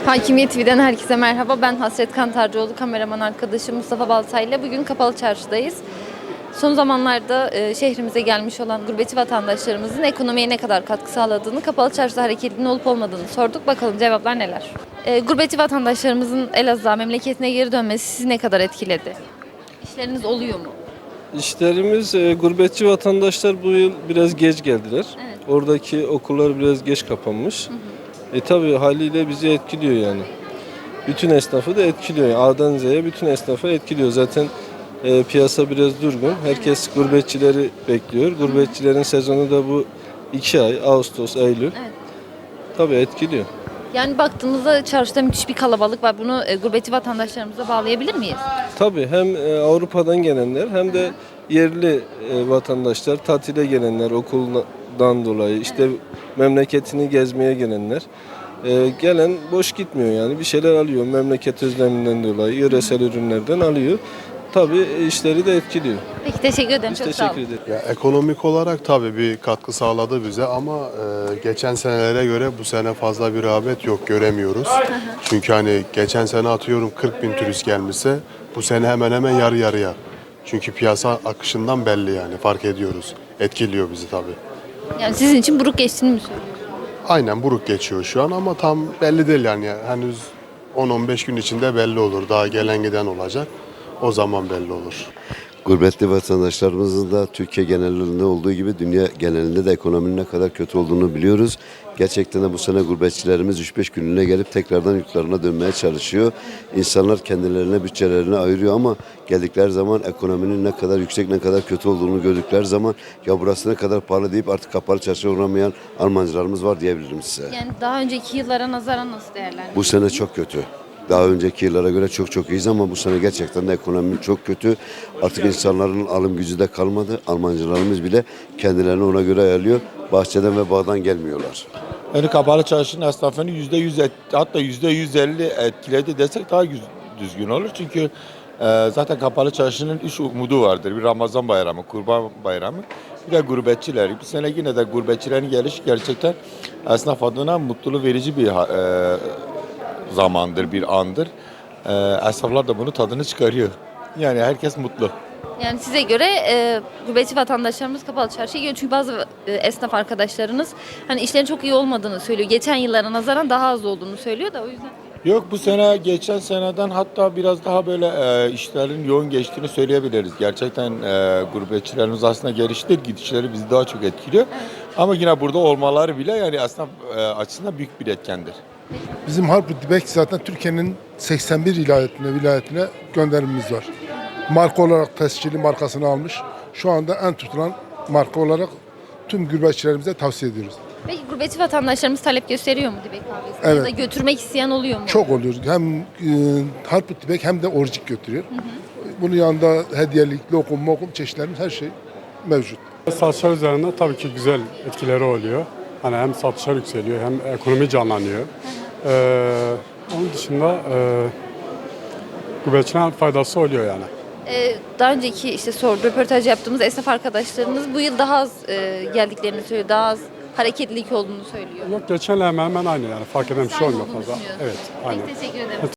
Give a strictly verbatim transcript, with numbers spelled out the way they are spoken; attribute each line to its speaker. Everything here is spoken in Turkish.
Speaker 1: Hakimiyet T V'den herkese merhaba. Ben Hasret Kantarcıoğlu, kameraman arkadaşım Mustafa Baltay'la bugün Kapalı Çarşı'dayız. Son zamanlarda e, şehrimize gelmiş olan gurbetçi vatandaşlarımızın ekonomiye ne kadar katkı sağladığını, Kapalı Çarşı'da hareketliliğinin olup olmadığını sorduk. Bakalım cevaplar neler? E, gurbetçi vatandaşlarımızın Elazığ'a, memleketine geri dönmesi sizi ne kadar etkiledi? İşleriniz oluyor mu?
Speaker 2: İşlerimiz, e, gurbetçi vatandaşlar bu yıl biraz geç geldiler.
Speaker 1: Evet.
Speaker 2: Oradaki okullar biraz geç kapanmış. Hı hı. E tabi haliyle bizi etkiliyor yani. Bütün esnafı da etkiliyor. Yani A'dan Z'ye bütün esnafı etkiliyor. Zaten e, piyasa biraz durgun. Herkes gurbetçileri bekliyor. Gurbetçilerin sezonu da bu iki ay, Ağustos, Eylül.
Speaker 1: Evet.
Speaker 2: Tabi etkiliyor.
Speaker 1: Yani baktığımızda çarşıda müthiş bir kalabalık var. Bunu e, gurbetçi vatandaşlarımıza bağlayabilir miyiz?
Speaker 2: Tabii hem e, Avrupa'dan gelenler hem de yerli e, vatandaşlar, tatile gelenler okuldan dolayı, işte memleketini gezmeye gelenler. E, gelen boş gitmiyor yani, bir şeyler alıyor memleket özleminden dolayı, yöresel ürünlerden alıyor. Tabii işleri de etkiliyor.
Speaker 1: Peki, teşekkür ederim.
Speaker 2: Biz
Speaker 1: Çok sağ
Speaker 2: teşekkür
Speaker 1: olun.
Speaker 2: ederiz.
Speaker 3: Ya, ekonomik olarak tabii bir katkı sağladı bize ama e, geçen senelere göre bu sene fazla bir rağbet yok, göremiyoruz. Çünkü hani geçen sene atıyorum kırk bin turist gelmişse bu sene hemen hemen yarı yarıya. Çünkü piyasa akışından belli, yani fark ediyoruz. Etkiliyor bizi tabii.
Speaker 1: Yani sizin için buruk geçtiğini mi söylüyorsunuz?
Speaker 3: Aynen, buruk geçiyor şu an ama tam belli değil yani. Henüz on on beş gün içinde belli olur. Daha gelen giden olacak. O zaman belli olur.
Speaker 4: Gurbetli vatandaşlarımızın da Türkiye genelinde olduğu gibi dünya genelinde de ekonominin ne kadar kötü olduğunu biliyoruz. Gerçekten de bu sene gurbetçilerimiz üç beş günlüğüne gelip tekrardan yurtlarına dönmeye çalışıyor. İnsanlar kendilerine bütçelerini ayırıyor ama geldikleri zaman ekonominin ne kadar yüksek, ne kadar kötü olduğunu gördükleri zaman ya burası ne kadar pahalı deyip artık Kapalı Çarşı'ya uğramayan Almancılarımız var diyebilirim size.
Speaker 1: Yani daha önceki yıllara nazaran nasıl değerlendiriyorsunuz?
Speaker 4: Bu sene çok kötü. Daha önceki yıllara göre çok çok iyiyiz ama bu sene gerçekten de ekonomi çok kötü. Artık insanların alım gücü de kalmadı. Almancılarımız bile kendilerini ona göre ayarlıyor. Bahçeden ve bağdan gelmiyorlar.
Speaker 5: Yani Kapalı Çarşı'nın esnafını yüzde yüz et, hatta yüzde yüz elli etkiledi desek daha yüz- düzgün olur. Çünkü e, zaten Kapalı Çarşı'nın üç umudu vardır. Bir Ramazan bayramı, Kurban bayramı, bir de gurbetçiler. Bu sene yine de gurbetçilerin gelişi gerçekten esnaf adına mutluluk verici bir e, zamandır, bir andır. E, esnaflar da bunu tadını çıkarıyor. Yani herkes mutlu.
Speaker 1: Yani size göre e, gurbetçi vatandaşlarımız Kapalı Çarşı'ya gidiyor. Çünkü bazı e, esnaf arkadaşlarınız hani işlerin çok iyi olmadığını söylüyor. Geçen yıllara nazaran daha az olduğunu söylüyor da o yüzden.
Speaker 5: Yok, bu sene geçen seneden hatta biraz daha böyle e, işlerin yoğun geçtiğini söyleyebiliriz. Gerçekten e, gurbetçilerimiz aslında geliştir, gidişleri bizi daha çok etkiliyor. Ama yine burada olmaları bile yani aslında e, açısından büyük bir etkendir.
Speaker 6: Bizim Harput Dibek zaten Türkiye'nin seksen bir vilayetine, vilayetine gönderimimiz var. Marka olarak tescilli markasını almış. Şu anda en tutulan marka olarak tüm gurbetçilerimize tavsiye ediyoruz.
Speaker 1: Peki gurbetçi vatandaşlarımız talep gösteriyor mu Dibek kahvesine?
Speaker 6: Evet.
Speaker 1: Ya da götürmek isteyen oluyor mu?
Speaker 6: Çok oluyor. Hem e, Harput Dibek hem de orcik götürüyor. Hı hı. Bunun yanında hediyelik, lokum, mokum çeşitlerimiz her şey mevcut.
Speaker 7: Satışlar üzerinde tabii ki güzel etkileri oluyor. Hani hem satışlar yükseliyor hem ekonomi canlanıyor. Ee, onun dışında e, gurbetçilerin faydası oluyor yani.
Speaker 1: E, daha önceki işte soru, röportaj yaptığımız esnaf arkadaşlarımız bu yıl daha az e, geldiklerini söylüyor. Daha az hareketlilik olduğunu söylüyor.
Speaker 7: Yok, geçenle hemen hemen aynı yani, fark eden bir şey
Speaker 1: Aynı
Speaker 7: olmuyor
Speaker 1: olduğunu
Speaker 7: fazla.
Speaker 1: düşünüyorsunuz.
Speaker 7: Evet, aynen.
Speaker 1: Peki, teşekkür ederim.